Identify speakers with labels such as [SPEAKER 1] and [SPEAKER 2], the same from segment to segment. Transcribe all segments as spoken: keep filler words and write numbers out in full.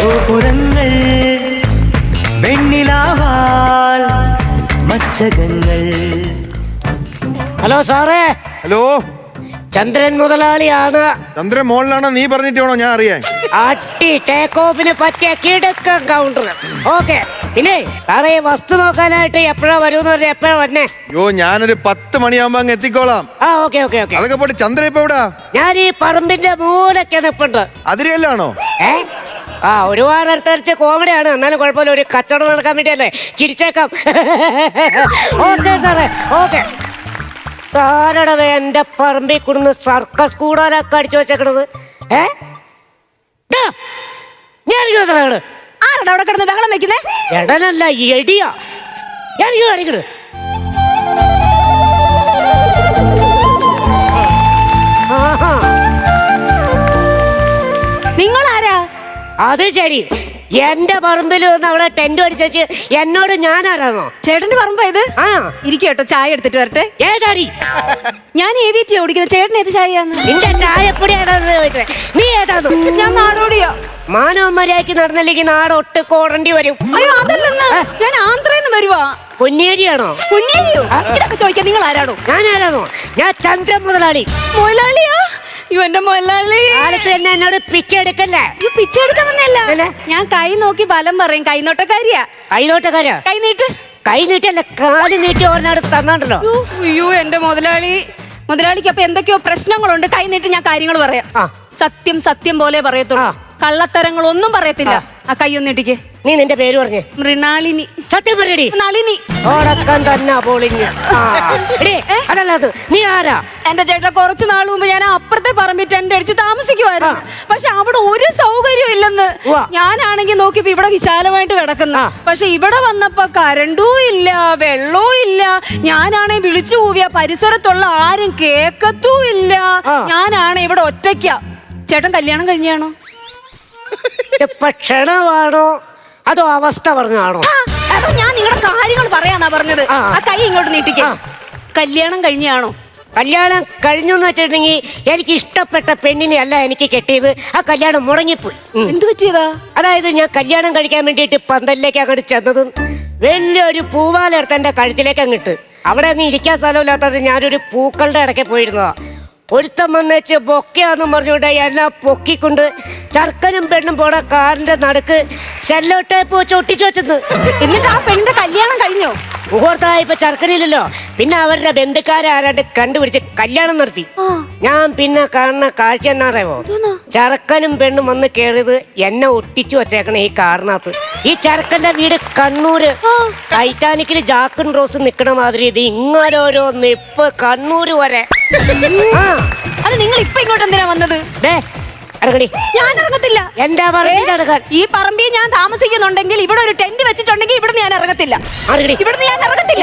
[SPEAKER 1] ഗോപുരങ്ങൾ വെണ്ണിലാവാൽ മച്ചകങ്ങൾ.
[SPEAKER 2] Hello സാറേ.
[SPEAKER 3] Hello,
[SPEAKER 2] ചന്ദ്രൻ മുതലാളിയാണ്.
[SPEAKER 3] ചന്ദ്രൻ മോളിലാണോ നീ പറഞ്ഞിട്ട് വേണോ ഞാൻ അറിയാൻ?
[SPEAKER 2] അട്ടി ടേക്ക് ഓഫിന് പറ്റിയ കിടക്കം കൗണ്ടർ. ഓക്കെ, പിന്നെ സാറേ വസ്തു നോക്കാനായിട്ട് എപ്പോഴാ വരൂന്ന് പറഞ്ഞാൽ എപ്പോഴാ വന്നേ?
[SPEAKER 3] യോ, ഞാനൊരു പത്ത് മണിയാകുമ്പോ അങ്ങ് എത്തിക്കോളാം.
[SPEAKER 2] ആ ഓക്കെ ഓക്കെ ഓക്കെ.
[SPEAKER 3] അതൊക്കെ പോട്ടെ, ചന്ദ്രൻ ഇപ്പൊ എവിടാ?
[SPEAKER 2] ഞാൻ ഈ പറമ്പിന്റെ മൂലൊക്കെ നിപ്പുണ്ട്.
[SPEAKER 3] അതിരിയല്ലാണോ?
[SPEAKER 2] ഏ ആ ഒരുപാട് അടുത്തടിച്ച് കോമഡിയാണ്, എന്നാലും കുഴപ്പമില്ല. ഒരു കച്ചവടം നടക്കാൻ വേണ്ടിയല്ലേ, ചിരിച്ചേക്കാം. ഓക്കെ സാറേ, ഓക്കെ. ആരടവേ എന്റെ പറമ്പിൽ കൊടുന്ന് സർക്കസ് കൂടാനൊക്കെ അടിച്ചു വെച്ചേക്കണത്? ഏ ഞാൻ
[SPEAKER 4] ആരടാ അവിടെ കിടന്ന് ബഹളം വെക്കുന്നേ?
[SPEAKER 2] എടനല്ല, എടിയാ. എനിക്ക് കാണിക്കണത്
[SPEAKER 4] നിങ്ങൾ ആരാ?
[SPEAKER 2] അത് ശരി, എന്റെ പറമ്പിൽ വന്ന് അവിടെ ടെന്റ് അടിച്ചു എന്നോട് ഞാനാരാന്നോ?
[SPEAKER 4] ചേട്ടന്റെ പറമ്പ് ഇത്?
[SPEAKER 2] ആ
[SPEAKER 4] ഇരിക്കട്ടോ, ചായ എടുത്തിട്ട് വരട്ടെ.
[SPEAKER 2] ഏതാടി?
[SPEAKER 4] ഞാൻ എ വി ടി ഓടിക്കുന്ന. ചേട്ടൻ ഏത് ചായയാന്ന്?
[SPEAKER 2] നിന്റെ ചായപ്പൊടി ഏതാന്ന് ചോദിച്ചേ. നീ ഏതാന്നു?
[SPEAKER 4] ഞാൻ നാടോടിയോ.
[SPEAKER 2] മാനവ മര്യാദക്ക് നടന്നില്ലെങ്കിൽ നാട് ഒട്ട് കോടേണ്ടി വരും.
[SPEAKER 4] അയ്യോ അതല്ലെന്ന്, ഞാൻ ആന്ധ്രന്ന് വരുവാ.
[SPEAKER 2] പൊന്നിയേരിയാണോ?
[SPEAKER 4] പൊന്നിയേരിയോ? ഇതൊക്കെ ചോദിക്കാൻ നിങ്ങൾ ആരാണോ?
[SPEAKER 2] ഞാൻ ആരാന്നോ? ഞാൻ ചന്ദ്രൻ മുതലാളി.
[SPEAKER 4] മുതലാളിയാ? ഇവന്റെ മുതലാളി
[SPEAKER 2] കാലത്ത് തന്നെ എന്നോട് പിച്ചെടുക്കല്ലേ?
[SPEAKER 4] പിച്ചെടുക്കാൻ വന്നല്ല, ഞാൻ കൈ നോക്കി ഫലം പറയും. കൈനോട്ടക്കാരിയാ.
[SPEAKER 2] കൈനോട്ടക്കാരാ?
[SPEAKER 4] കൈ നീട്ട്.
[SPEAKER 2] കൈ നീട്ടല്ല, കാല് നീട്ടി ഓർന്നാട് തന്നാണ്ടല്ലോ.
[SPEAKER 4] അയ്യോ എന്റെ മുതലാളി. മുതലാളിക്ക് അപ്പൊ എന്തൊക്കെയോ പ്രശ്നങ്ങളുണ്ട്. കൈ നീട്ടി ഞാൻ കാര്യങ്ങൾ പറയാം. സത്യം സത്യം പോലെ പറയത്തുള്ളൂ, കള്ളത്തരങ്ങൾ ഒന്നും പറയത്തില്ല. ആ കൈ ഒന്നിട്ടിക്ക്.
[SPEAKER 2] നീ നിന്റെ പേര് പറഞ്ഞേ.
[SPEAKER 4] മൃണാളിനി.
[SPEAKER 2] സത്യം പറയടി.
[SPEAKER 4] നളിനി.
[SPEAKER 2] ഓടക്കം തന്നെ പൊളിഞ്ഞ്. അതല്ലാതെ നീ ആരാ?
[SPEAKER 4] എന്റെ ചേട്ടാ, കുറച്ച് നാൾ മുമ്പ് ഞാൻ അപ്പുറത്തെ പറമ്പിൽ ടെന്റ് അടിച്ച് താമസിക്കുമായിരുന്നു. പക്ഷെ അവിടെ ഒരു സൗകര്യം ഇല്ലെന്ന്. ഞാനാണെങ്കിൽ നോക്കിയപ്പോ ഇവിടെ വിശാലമായിട്ട് കിടക്കുന്ന. പക്ഷെ ഇവിടെ വന്നപ്പോ കരണ്ടും ഇല്ല, വെള്ളവും ഇല്ല. ഞാനാണെ വിളിച്ചു കൂവിയ പരിസരത്തുള്ള ആരും കേക്കത്തും ഇല്ല. ഞാനാണ് ഇവിടെ ഒറ്റയ്ക്ക. ചേട്ടൻ കല്യാണം കഴിഞ്ഞാണോ?
[SPEAKER 2] ക്ഷണമാണോ അതോ അവസ്ഥ പറഞ്ഞാണോ?
[SPEAKER 4] ഞാൻ നിങ്ങളുടെ കാര്യങ്ങൾ പറയാന്നാ പറഞ്ഞത്. ആ കൈ ഇങ്ങോട്ട് നീട്ടിക്കേ. കല്യാണം കഴിഞ്ഞാണോ?
[SPEAKER 2] കല്യാണം കഴിഞ്ഞു എന്ന് വെച്ചിട്ടുണ്ടെങ്കിൽ എനിക്ക് ഇഷ്ടപ്പെട്ട പെണ്ണിനെ അല്ല എനിക്ക് കെട്ടിയത്. ആ കല്യാണം മുടങ്ങിപ്പോയി.
[SPEAKER 4] എന്ത് പറ്റിയതാ?
[SPEAKER 2] അതായത് ഞാൻ കല്യാണം കഴിക്കാൻ വേണ്ടിയിട്ട് പന്തലിലേക്ക് അങ്ങോട്ട് ചെന്നതും വലിയൊരു പൂവാല എടുത്ത് എന്റെ കഴുത്തിലേക്ക് അങ്ങിട്ട്. അവിടെ ഒന്നും ഇരിക്കാൻ സ്ഥലമില്ലാത്തത് ഞാനൊരു പൂക്കളുടെ ഇടയ്ക്ക് പോയിരുന്നതാ. ഒരുത്തം വന്നേച്ച് ബൊക്കയാന്നും പറഞ്ഞുകൊണ്ട് എന്നെ പൊക്കിക്കൊണ്ട് ചർക്കനും പെണ്ണും പോണ കാറിന്റെ നടുക്ക് സെല്ലോ ടേപ്പ് വെച്ച് ഒട്ടിച്ചു വെച്ചത്.
[SPEAKER 4] എന്നിട്ട് ആ പെണ്ണിന്റെ കല്യാണം കഴിഞ്ഞോ?
[SPEAKER 2] മുഹൂർത്തമായപ്പോ ചർക്കനില്ലല്ലോ. പിന്നെ അവരുടെ ബന്ധുക്കാരെ ആരാണ്ട് കണ്ടുപിടിച്ച് കല്യാണം നടത്തി. ഞാൻ പിന്നെ കാണുന്ന കാഴ്ച എന്നാറിയോ? ചർക്കനും പെണ്ണും വന്ന് കേറിയത് എന്നെ ഒട്ടിച്ചു വച്ചേക്കണ ഈ കാറിനകത്ത്. ഈ ചർക്കന്റെ വീട് കണ്ണൂര്. ടൈറ്റാനിക്കില് ജാക്കൻ റോസ് നിക്കണ മാതിരി ഇത് ഇങ്ങോരോരോ നിപ്പ് കണ്ണൂര് വരെ.
[SPEAKER 4] അത് നിങ്ങൾ ഇപ്പൊ ഇങ്ങോട്ട് എന്തിനാ വന്നത്? ഞാൻ ഇറങ്ങത്തില്ല.
[SPEAKER 2] എന്താ പറയുക?
[SPEAKER 4] ഈ പറമ്പിൽ ഞാൻ താമസിക്കുന്നുണ്ടെങ്കിൽ ഇവിടെ ഒരു ടെന്റ് വെച്ചിട്ടുണ്ടെങ്കിൽ ഇവിടെ ഞാൻ ഇറങ്ങത്തില്ല. ഇവിടുന്ന് ഞാൻ ഇറങ്ങത്തില്ല.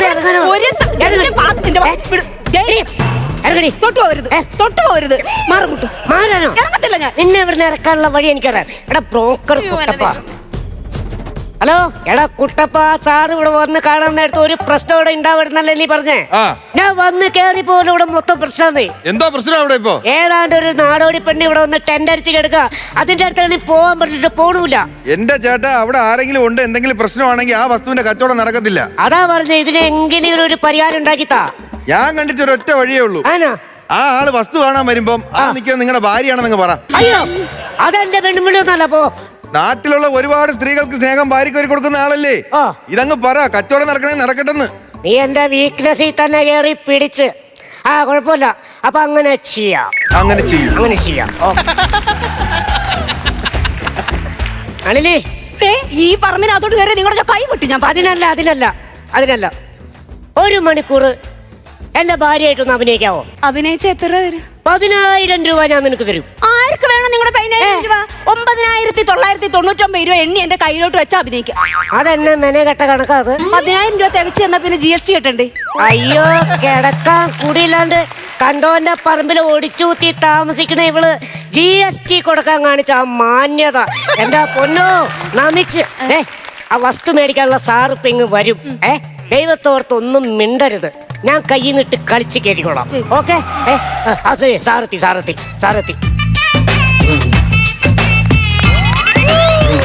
[SPEAKER 4] തൊട്ടു പോരുത്, തൊട്ടു പോരുത്. മാറുമുട്ടു
[SPEAKER 2] മാറാനോ?
[SPEAKER 4] ഇറങ്ങത്തില്ല ഞാൻ.
[SPEAKER 2] നിന്നെ ഇവിടുന്ന് ഇറക്കാനുള്ള വഴി എനിക്കറിയാം. എടാ ബ്രോക്കർ കുട്ടപ്പ. ഹലോ എടാ കുട്ടപ്പ, സാറ് ഇവിടെ വന്ന് കാണാൻ നേരത്തെ ഒരു പ്രശ്നം ഇവിടെ ഉണ്ടാവുന്നല്ലേ നീ പറഞ്ഞേ? ഞാൻ വന്ന് കേറി പോലും ഇവിടെ മൊത്തം പ്രശ്നമാണ്.
[SPEAKER 3] എന്താ പ്രശ്നം അവിടെ? ഇപ്പൊ
[SPEAKER 2] ഏതാണ്ട് ഒരു നാടോടി പെണ്ണ് ഇവിടെ വന്ന് ടെന്റ് അടിച്ച് കിടക്കുക. അതിന്റെ അടുത്ത് നീ പോവാൻ പറ്റിട്ട് പോണൂല.
[SPEAKER 3] എന്റെ ചേട്ടാ, അവിടെ ആരെങ്കിലും ഉണ്ട്, എന്തെങ്കിലും പ്രശ്നമാണെങ്കിൽ ആ വസ്തുവിന്റെ കച്ചവടം നടക്കത്തില്ല.
[SPEAKER 2] അതാ പറഞ്ഞ ഇതിന് എങ്ങനെയും ഒരു പരിഹാരം ഉണ്ടാക്കിത്താ.
[SPEAKER 3] ഞാൻ കണ്ടിട്ട് ഒരൊറ്റ വഴിയേ ഉള്ളൂ. ആ ആള് വസ്തു കാണാൻ വരുമ്പം ആ നിൽക്കുന്നത് നിങ്ങളുടെ ഭാര്യയാണെന്ന് പറ.
[SPEAKER 2] അയ്യോ അതെന്റെ പെണ്ണുമ്പിളി ഒന്നല്ല. പോ.
[SPEAKER 3] നാട്ടിലുള്ള ഒരുപാട് സ്ത്രീകൾക്ക് സ്നേഹം ഭാര്യക്ക് കൊടുക്കുന്ന ആളല്ലേ? ഇതങ്ങ് പറ, കച്ചവടം നടക്കണേ നടക്കട്ടെന്ന്.
[SPEAKER 2] നീ എന്റെ വീക്ക്നെസ്സിൽ തന്നെ കയറി പിടിച്ച്. ആ കുഴപ്പമില്ല. അപ്പൊ അങ്ങനെ ചെയ്യാം.
[SPEAKER 3] അങ്ങനെ ചെയ്യും
[SPEAKER 2] അങ്ങനെ ചെയ്യാം. അണിലേ,
[SPEAKER 4] ഈ പറമ്പിനകത്തോട്ട് കയറി നിങ്ങളുടെ കൈ പൊട്ടി. ഞാൻ
[SPEAKER 2] അതിനല്ല അതിനല്ല അതിനല്ല ഒരു മണിക്കൂർ എന്റെ ഭാര്യയായിട്ടൊന്ന് അഭിനയിക്കാവോ?
[SPEAKER 4] അഭിനയിച്ച എത്ര തരും?
[SPEAKER 2] പതിനായിരം രൂപ ഞാൻ നിനക്ക് തരും.
[SPEAKER 4] ആർക്ക് വേണം നിങ്ങളുടെ പതിനായിരം രൂപ? ഒമ്പതിനായിരത്തി തൊള്ളായിരത്തി തൊണ്ണൂറ്റൊമ്പത് രൂപ എണ്ണി എന്റെ കയ്യിലോട്ട് വെച്ച് അഭിനയിക്കാം.
[SPEAKER 2] അതെന്നെ മെനെ കെട്ട കണക്കാത്.
[SPEAKER 4] പതിനായിരം രൂപ തികച്ചു തന്നാ പിന്നെ ജി എസ് ടി കെട്ടണ്ടേ?
[SPEAKER 2] അയ്യോ കിടക്കാൻ കൂടിയില്ലാണ്ട് കണ്ടോന്റെ പറമ്പിൽ ഒടിച്ചൂത്തി താമസിക്കുന്ന ഇവള് ജി എസ് ടി കൊടുക്കാൻ കാണിച്ച ആ മാന്യത എന്റെ പൊന്നോ നമിച്ച്. ഏ ആ വസ്തു മേടിക്കാനുള്ള സാറിപ്പിങ് വരും. ഏ ദൈവത്തോർത്തൊന്നും മിണ്ടരുത്. ഞാൻ കയ്യിൽ നിന്നിട്ട് കളിച്ച് കയറ്റിക്കോളാം. ഓക്കെ? അതെ സാറെത്തി സാറെത്തി സാറെത്തി.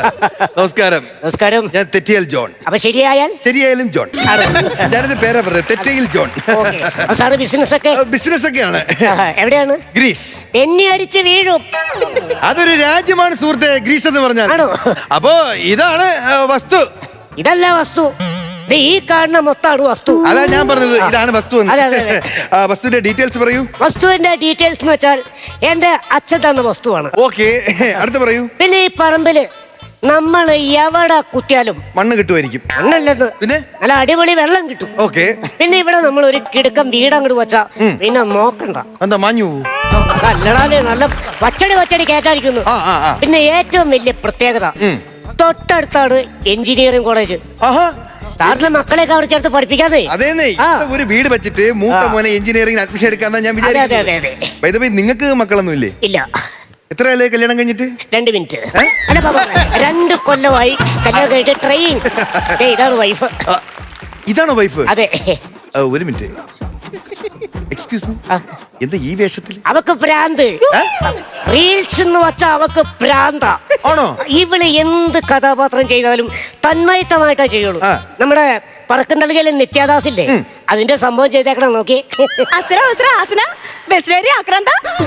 [SPEAKER 3] നമസ്കാരം.
[SPEAKER 2] നമസ്കാരം.
[SPEAKER 3] ഞാൻ തെറ്റിയൽ ജോൺ.
[SPEAKER 2] അപ്പൊ ശരിയായാൽ
[SPEAKER 3] ശരിയായാലും ജോൺ. ഞാനെന്റെ പേരാ പറഞ്ഞത്, തെറ്റയിൽ ജോൺ.
[SPEAKER 2] സാറ് ബിസിനസ് ഒക്കെ
[SPEAKER 3] ബിസിനസ് ഒക്കെയാണ്.
[SPEAKER 2] എവിടെയാണ്?
[SPEAKER 3] ഗ്രീസ്.
[SPEAKER 2] എന്നെ അടിച്ച് വീഴും.
[SPEAKER 3] അതൊരു രാജ്യമാണ് സുഹൃത്തെ, ഗ്രീസ് എന്ന് പറഞ്ഞാൽ.
[SPEAKER 2] ആണോ?
[SPEAKER 3] അപ്പോ ഇതാണ് ആ, വസ്തു.
[SPEAKER 2] ഇതല്ല വസ്തു, ഇത് ഈ കാണുന്ന മൊത്തമാണ് വസ്തു.
[SPEAKER 3] അതാ ഞാൻ പറഞ്ഞത്, ഇതാണ് വസ്തു എന്ന്.
[SPEAKER 2] അതെ, അതെ, അതെ.
[SPEAKER 3] ആ, വസ്തുവിന്റെ ഡീറ്റെയിൽസ് പറയൂ.
[SPEAKER 2] വസ്തുവിന്റെ ഡീറ്റെയിൽസ് എന്ന് വെച്ചാൽ എന്റെ അച്ഛൻ തന്ന വസ്തുവാണ്.
[SPEAKER 3] ഓക്കെ, അടുത്ത് പറയൂ.
[SPEAKER 2] പിന്നെ ഈ പറമ്പില് നമ്മൾ എവിടെ കുത്തിയാലും
[SPEAKER 3] മണ്ണ് കിട്ടുമായിരിക്കും.
[SPEAKER 2] മണ്ണല്ലെന്ന്,
[SPEAKER 3] പിന്നെ
[SPEAKER 2] നല്ല അടിപൊളി വെള്ളം കിട്ടും.
[SPEAKER 3] ഓക്കെ.
[SPEAKER 2] പിന്നെ ഇവിടെ നമ്മൾ ഒരു കിടുക്കം വീടങ്ങോട്ട് വെച്ചാ പിന്നെ നോക്കണ്ട.
[SPEAKER 3] എന്താ മാഞ്ഞു?
[SPEAKER 2] അല്ലടാലേ, നല്ല വച്ചടി വച്ചടി കേട്ടായിരിക്കുന്നു.
[SPEAKER 3] ആ, ആ, ആ.
[SPEAKER 2] പിന്നെ ഏറ്റവും വലിയ പ്രത്യേകത,
[SPEAKER 3] ഉം.
[SPEAKER 2] തൊട്ടടുത്താണ് എഞ്ചിനീയറിംഗ് കോളേജ്.
[SPEAKER 3] ആഹാ.
[SPEAKER 2] സാറിന്റെ മക്കളെയൊക്കെ അവിടെ ചേർത്ത് പഠിപ്പിക്കാതെ.
[SPEAKER 3] അതേന്നേ,
[SPEAKER 2] ആ.
[SPEAKER 3] ഒരു വീട് വെച്ചിട്ട് മൂത്ത മോനെ എഞ്ചിനീയറിംഗ് അഡ്മിഷൻ എടുക്കാന്നാ ഞാൻ
[SPEAKER 2] അതെ, അതെ, അതെ,
[SPEAKER 3] വിചാരിക്കുന്നത്.
[SPEAKER 2] അതെ.
[SPEAKER 3] By the way, നിങ്ങൾക്ക് മക്കളൊന്നും ഇല്ലേ?
[SPEAKER 2] ഇല്ല.
[SPEAKER 3] എത്രയല്ലേ കല്യാണം കഴിഞ്ഞിട്ട്?
[SPEAKER 2] രണ്ട് മിനിറ്റ്. അല്ല ബാബാ, രണ്ട് കൊല്ലമായി കല്യാണം കഴിഞ്ഞിട്ട്. ട്രെയിൻ. ഇതാണ് വൈഫ്.
[SPEAKER 3] ആ, ഇതാണോ വൈഫ്?
[SPEAKER 2] അതെ.
[SPEAKER 3] ആ, ഒരു മിനിറ്റ്. എക്സ്ക്യൂസ് മീ,
[SPEAKER 2] ആ.
[SPEAKER 3] എന്താ ഈ വേഷത്തിൽ?
[SPEAKER 2] അവക്ക് ഭ്രാന്ത്. റീൽസ് എന്ന് വെച്ചാ അവക്ക് ഭ്രാന്ത.
[SPEAKER 3] ആണോ?
[SPEAKER 2] ഇവള് എന്ത് കഥാപാത്രം ചെയ്താലും തന്മയത്തമായിട്ടാ ചെയ്യുള്ളൂ.
[SPEAKER 3] ആ.
[SPEAKER 2] നമ്മുടെ പറക്കും നൽകിയാലും നിത്യാദാസില്ലേ, അതിന്റെ സംഭവം ചെയ്തേക്കണം. നോക്കി.
[SPEAKER 4] അസുര അസുര ആസന ബെസ്ലേരി ആക്രാന്ത.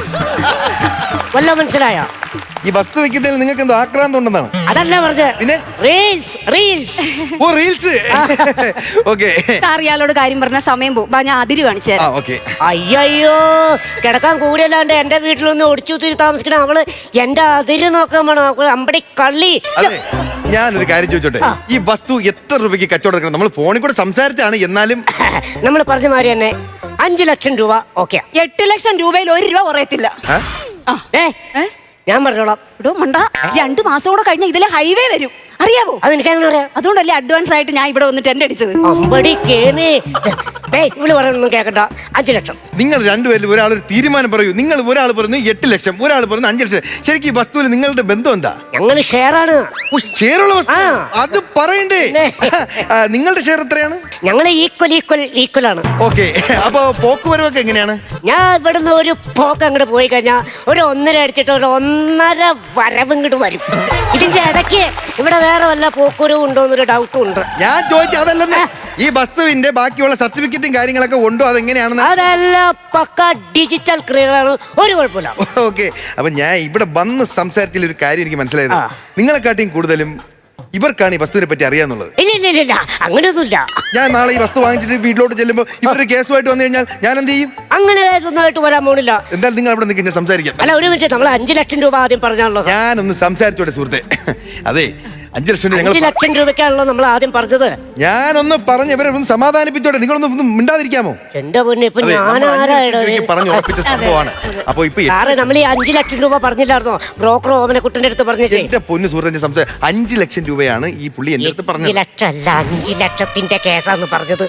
[SPEAKER 2] വല്ല മനസ്സിലായ?
[SPEAKER 3] ഈ വസ്തു വെക്കുന്നതിൽ നിങ്ങൾക്ക് എന്തോ ആക്രാന്തം ഉണ്ടെന്നാണ്?
[SPEAKER 2] അതല്ല പറഞ്ഞത്.
[SPEAKER 3] പിന്നെ
[SPEAKER 2] reels reels
[SPEAKER 3] oh reels. Okay.
[SPEAKER 4] Sir ഇയാളോട് കാര്യം പറഞ്ഞ സമയം പോകും. ബാ, ഞാൻ അതിര് കാണിച്ചു
[SPEAKER 3] ആ,
[SPEAKER 4] തരാം.
[SPEAKER 3] ഓക്കെ.
[SPEAKER 2] അയ്യോ, കിടക്കാൻ കൂടിയല്ലാണ്ട് എന്റെ വീട്ടിലൊന്ന് ഒടിച്ചുത്തിരി താമസിക്കണം. അവള് എന്റെ അതിര് നോക്കാൻ വേണം. അവള് അമ്പടി കള്ളി.
[SPEAKER 3] അതെ, ഞാനൊരു കാര്യം ചോദിച്ചോട്ടെ, ഈ വസ്തു എത്ര രൂപയ്ക്ക് കച്ചവടം എടുക്കണം? നമ്മൾ ഫോണിൽ കൂടെ സംസാരിച്ചാണ്, എന്നാലും
[SPEAKER 2] നമ്മൾ പറഞ്ഞ മാതിരി തന്നെ അഞ്ചു ലക്ഷം രൂപ. ഓക്കെ.
[SPEAKER 4] എട്ട് ലക്ഷം രൂപയിൽ ഒരു രൂപ കുറയത്തില്ല.
[SPEAKER 3] ആ?
[SPEAKER 4] ആ.
[SPEAKER 2] ഏ ഞാൻ പറഞ്ഞോളാം.
[SPEAKER 4] ഇടോ മണ്ട, രണ്ടു മാസം കൂടെ കഴിഞ്ഞ ഇതിലെ ഹൈവേ വരും, അറിയാവോ?
[SPEAKER 2] അതെനിക്ക് അങ്ങനെ പറയാം.
[SPEAKER 4] അതുകൊണ്ടല്ലേ അഡ്വാൻസ് ആയിട്ട് ഞാൻ ഇവിടെ വന്നിട്ട് എന്റെ അടിച്ചത്.
[SPEAKER 2] അമ്പടി കേമേ. ഏയ് ഇവള് പറയൊന്നും കേക്കണ്ട. അഞ്ചു ലക്ഷം.
[SPEAKER 3] നിങ്ങൾ രണ്ടുപേരിൽ ഒരാൾ ഒരു തീരുമാനം പറയൂ. നിങ്ങൾ ഒരാൾ പറഞ്ഞു എട്ട് ലക്ഷം, ഒരാൾ പറഞ്ഞു അഞ്ചു ലക്ഷം. ശരിക്കും ഈ വസ്തുവിൽ നിങ്ങളുടെ ബന്ധം എന്താ?
[SPEAKER 2] ഞങ്ങള് ഷെയറാണ്.
[SPEAKER 3] ഓ, ഷെയറുള്ള വസ്തു.
[SPEAKER 2] ആ.
[SPEAKER 3] അത് പറയണ്ടേ? ആ, നിങ്ങളുടെ ഷെയർ എത്രയാണ്?
[SPEAKER 2] ഞങ്ങള് ഈക്വൽ ഈക്വൽ ഈക്വൽ ആണ്.
[SPEAKER 3] ഓക്കെ. അപ്പൊ പോക്കുവരവൊക്കെ എങ്ങനെയാണ്?
[SPEAKER 2] ഞാൻ ഇവിടുന്ന് ഒരു പോക്ക് അങ്ങോട്ട് പോയി കഴിഞ്ഞാൽ ഒരു ഒന്നര അടിച്ചിട്ട് ഒരു ഒന്നര വരവ് ഇങ്ങോട്ട് വരും. ഇതിന്റെ ഇടയ്ക്ക് ഇവിടെ വേറെ വല്ല പോക്കുവരവും ഉണ്ടോ എന്നൊരു ഡൗട്ടും ഉണ്ട്.
[SPEAKER 3] ഞാൻ ചോദിച്ച അതല്ലെന്ന്. ഈ വസ്തുവിന്റെ ബാക്കിയുള്ള സർട്ടിഫിക്കറ്റും കാര്യങ്ങളൊക്കെ ഉണ്ടോ, അതെങ്ങനെയാണെന്ന്?
[SPEAKER 2] അതെല്ലാം പക്ക ഡിജിറ്റൽ ക്ലിയർ ആണ്, ഒരു കുഴപ്പമില്ല.
[SPEAKER 3] ഓക്കെ. അപ്പൊ ഞാൻ ഇവിടെ വന്ന് സംസാരത്തിൽ ഒരു കാര്യം എനിക്ക് മനസ്സിലായത്,
[SPEAKER 2] ആ.
[SPEAKER 3] നിങ്ങളെക്കാട്ടിയും കൂടുതലും ഇവർക്കാണ് ഈ വസ്തുവിനെ പറ്റി അറിയാന്നുള്ളത്.
[SPEAKER 2] ഇല്ല ഇല്ല ഇല്ല ഇല്ല, അങ്ങനെയൊന്നുമില്ല.
[SPEAKER 3] ഞാൻ നാളെ ഈ വസ്തു വാങ്ങിച്ചിട്ട് വീട്ടിലോട്ട് ചെല്ലുമ്പോൾ ഇവരുടെ കേസുമായിട്ട് വന്നു കഴിഞ്ഞാൽ ഞാൻ എന്ത് ചെയ്യും?
[SPEAKER 2] അങ്ങനെ ഒന്നായിട്ട് വരാൻ പോണില്ല.
[SPEAKER 3] എന്തായാലും നിങ്ങൾ അവിടെ നിൽക്കുന്ന സംസാരിക്കാം.
[SPEAKER 2] അല്ല, ഒരു മിനിറ്റ്. നമ്മൾ അഞ്ചു ലക്ഷം രൂപ ആദ്യം പറഞ്ഞാണല്ലോ.
[SPEAKER 3] ഞാനൊന്ന് സംസാരിച്ചോട്ടെ സുഹൃത്തെ. അതെ, അഞ്ചു ലക്ഷം രൂപ
[SPEAKER 2] അഞ്ചു
[SPEAKER 3] ഞങ്ങൾ
[SPEAKER 2] ലക്ഷം രൂപയ്ക്കാണല്ലോ നമ്മൾ ആദ്യം പറഞ്ഞത്.
[SPEAKER 3] ഞാനൊന്ന് പറഞ്ഞ് ഇവരെ ഒന്ന് സമാധാനിപ്പിച്ചോട്ടെ. നിങ്ങളൊന്ന് ഒന്ന് മിണ്ടാതിരിക്കാമോ?
[SPEAKER 2] എന്റെ പൊന്നെ, ഇപ്പൊ
[SPEAKER 3] അതെ,
[SPEAKER 2] ഞാൻ
[SPEAKER 3] നമ്മൾ അഞ്ച് ലക്ഷം
[SPEAKER 2] ആരായിടോ?
[SPEAKER 3] രൂപയ്ക്ക് പറഞ്ഞു ഉറപ്പിച്ച സംഭവമാണ്. അപ്പൊ ഇപ്പൊ
[SPEAKER 2] സാറേ, നമ്മൾ ഈ അഞ്ചു ലക്ഷം രൂപ പറഞ്ഞില്ലായിരുന്നോ ബ്രോക്കർ ഓമനക്കുട്ടന്റെ അടുത്ത് പറഞ്ഞേ?
[SPEAKER 3] എന്റെ പൊന്ന് സുഹൃത്തിന്റെ സംസാരം അഞ്ചു ലക്ഷം രൂപയാണ് ഈ പുള്ളി എന്റെ അടുത്ത്
[SPEAKER 2] അഞ്ചു
[SPEAKER 3] പറഞ്ഞത്.
[SPEAKER 2] ലക്ഷം അല്ല, അഞ്ചു ലക്ഷത്തിന്റെ കേസാന്ന് പറഞ്ഞത്.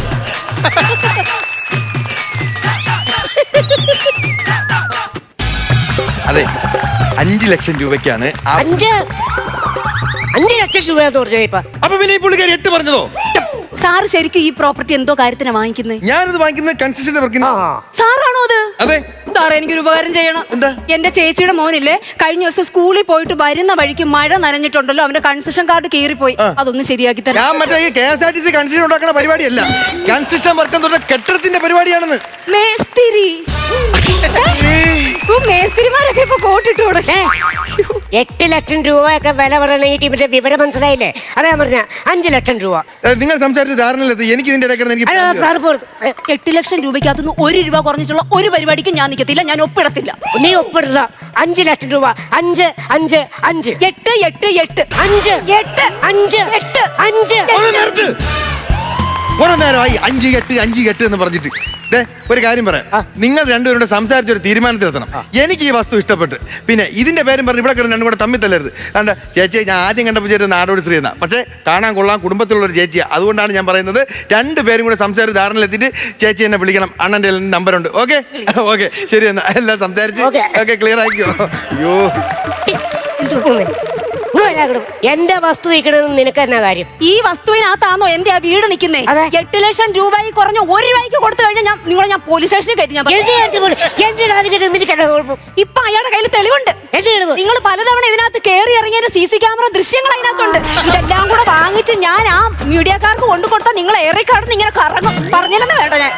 [SPEAKER 3] അതെ, അഞ്ചു ലക്ഷം രൂപയ്ക്കാണ് ആ-
[SPEAKER 2] അഞ്ച് അഞ്ചു ലക്ഷം രൂപയാന്ന് പറഞ്ഞ ഇപ്പൊ.
[SPEAKER 3] അപ്പൊ പിന്നെ ഈ പുള്ളിക്കാരി എട്ട് പറഞ്ഞതോ?
[SPEAKER 4] സാറ് ശരിക്കും ഈ പ്രോപ്പർട്ടി എന്തോ കാര്യത്തിനാ വാങ്ങിക്കുന്നത്?
[SPEAKER 3] ഞാനിത് വാങ്ങിക്കുന്നത് കൺസ്ട്രക്ഷൻ വർക്കിന്.
[SPEAKER 2] ആ,
[SPEAKER 4] സാറാണോ അത്?
[SPEAKER 3] അതെ.
[SPEAKER 4] സാർ എനിക്കൊരു ഉപകാരം ചെയ്യണം.
[SPEAKER 3] എന്താ?
[SPEAKER 4] എന്റെ ചേച്ചിയുടെ മോനില്ലേ, കഴിഞ്ഞ ദിവസം സ്കൂളിൽ പോയിട്ട് വരുന്ന വഴിക്ക് മഴ നനഞ്ഞിട്ടുണ്ടല്ലോ, അവന്റെ കൺസെഷൻ കാർഡ് കീറിപ്പോയി. അതൊന്ന് ശരിയാക്കി തരാം.
[SPEAKER 3] ഞാൻ മറ്റേ ഈ K S R T C construction ഉണ്ടാക്കുന്ന പരിപാടിയല്ല, കൺസ്ട്രക്ഷൻ വർക്ക് എന്ന് പറഞ്ഞ കെട്ടിടത്തിന്റെ പരിപാടിയാണെന്ന്.
[SPEAKER 4] മേസ്തിരി. ഇപ്പൊ മേസ്തിരിമാരൊക്കെ ഇപ്പൊ കോട്ടിട്ട് കൊടുക്കേ.
[SPEAKER 2] എട്ട് ലക്ഷം രൂപയൊക്കെ വില പറയുന്ന ഈ ടീമിന്റെ വിവരം മനസ്സിലായില്ലേ? അതാ പറഞ്ഞ അഞ്ചു ലക്ഷം രൂപ.
[SPEAKER 3] ഏ, നിങ്ങൾ സംസാരിച്ച് ധാരണയിലെത്തി. എനിക്ക് ഇതിന്റെ ഇടയ്ക്ക് എനിക്ക്
[SPEAKER 2] അല്ല,
[SPEAKER 3] പറഞ്ഞു
[SPEAKER 2] സാർ
[SPEAKER 3] തരാം.
[SPEAKER 2] പോ-
[SPEAKER 4] എട്ട് ലക്ഷം രൂപയ്ക്കകത്തുനിന്ന് ഒരു രൂപ കുറഞ്ഞിട്ടുള്ള ഒരു പരിപാടിക്ക് ഞാൻ നിൽക്കത്തില്ല, ഞാൻ ഒപ്പിടത്തില്ല.
[SPEAKER 2] നീ ഒപ്പിടുക. അഞ്ചു ലക്ഷം രൂപ. അഞ്ച് അഞ്ച് അഞ്ച്
[SPEAKER 4] എട്ട് എട്ട് എട്ട്
[SPEAKER 2] അഞ്ച്
[SPEAKER 4] എട്ട്
[SPEAKER 2] അഞ്ച്
[SPEAKER 4] എട്ട്
[SPEAKER 2] അഞ്ച്.
[SPEAKER 3] ഒരു നേരത്ത് കുറെ നേരമായി അഞ്ച് കെട്ട് അഞ്ച് കെട്ട് എന്ന് പറഞ്ഞിട്ട്. ദേ, ഒരു കാര്യം പറയാം. നിങ്ങൾ രണ്ടുപേരുടെ സംസാരിച്ച ഒരു തീരുമാനത്തിലെത്തണം. എനിക്ക് ഈ വസ്തു ഇഷ്ടപ്പെട്ട്, പിന്നെ ഇതിന്റെ പേരും പറഞ്ഞ് ഇവിടെ കിടന്ന് രണ്ടും കൂടെ തമ്മിൽ തല്ലരുത്. കണ്ട ചേച്ചി, ഞാൻ ആദ്യം കണ്ടപ്പോൾ ചേച്ചി നാടോടി സ്ത്രീ എന്നാ, പക്ഷേ കാണാൻ കൊള്ളാം, കുടുംബത്തിലുള്ള ഒരു ചേച്ചിയാണ്. അതുകൊണ്ടാണ് ഞാൻ പറയുന്നത്, രണ്ടു പേരും കൂടെ സംസാരിച്ച് ധാരണയിലെത്തിയിട്ട് ചേച്ചി എന്നെ വിളിക്കണം. അണ്ണൻ്റെ നമ്പറുണ്ട്. ഓക്കെ ഓക്കെ, ശരി എന്നാ എല്ലാം സംസാരിച്ച്
[SPEAKER 2] Okay.
[SPEAKER 3] Okay clear ആക്കിയോ? അയ്യോ,
[SPEAKER 2] ഇങ്ങ് വരാൻ ഞാനാകണം. എന്റെ വസ്തു വിൽക്കണമെന്ന് നിനക്ക് എന്നാ കാര്യം?
[SPEAKER 4] ഈ വസ്തുവിനകത്താണോ എന്റെ ആ വീട് നിൽക്കുന്നേ?
[SPEAKER 2] അതെ.
[SPEAKER 4] എട്ട് ലക്ഷം രൂപയിൽ കുറഞ്ഞ ഒരു രൂപയ്ക്ക് കൊടുത്തു കഴിഞ്ഞാൽ ഞാൻ നിങ്ങളെ ഞാൻ പോലീസ് സ്റ്റേഷനിൽ കയറ്റി ഞാൻ പറയും.
[SPEAKER 2] എന്റെ കാര്യത്തിൽ പോലും എന്റെ രാജ്യത്ത് നിനക്ക് എന്നാ കുഴപ്പം?
[SPEAKER 4] ഇപ്പൊ അയാളുടെ കയ്യിൽ തെളിവുണ്ട്.
[SPEAKER 2] എന്ത് തെളിവ്?
[SPEAKER 4] നിങ്ങൾ പലതവണ ഇതിനകത്ത് കയറി ഇറങ്ങിയ സി സി ക്യാമറ ദൃശ്യങ്ങൾ അതിനകത്തുണ്ട്. ഇതെല്ലാം കൂടെ വാങ്ങിച്ച് ഞാൻ ആ മീഡിയക്കാർക്ക് കൊണ്ടു കൊടുത്താൽ നിങ്ങൾ ഏറെ കടന്ന് ഇങ്ങനെ കറങ്ങും. പറഞ്ഞില്ലെന്ന് വേണ്ട ഞാൻ.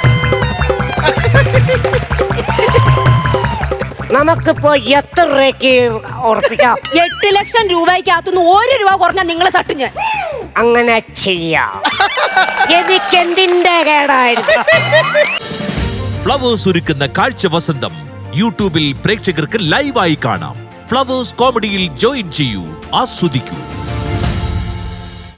[SPEAKER 2] നമുക്കിപ്പോ എത്ര രൂപയ്ക്ക് ഉറപ്പിക്കാം?
[SPEAKER 4] എട്ട് ലക്ഷം രൂപയ്ക്കകത്തുനിന്ന് ഒരു രൂപ കുറഞ്ഞാൽ നിങ്ങളെ തട്ടും ഞാൻ.
[SPEAKER 2] അങ്ങനെ ചെയ്യാം. എനിക്ക് എന്തിന്റെ കേടായിരുന്നു?
[SPEAKER 5] ഫ്ലവേഴ്സ് ഒരുക്കുന്ന കാഴ്ച വസന്തം യൂട്യൂബിൽ പ്രേക്ഷകർക്ക് ലൈവായി കാണാം. ഫ്ലവേഴ്സ് കോമഡിയിൽ ജോയിൻ ചെയ്യൂ, ആസ്വദിക്കൂ.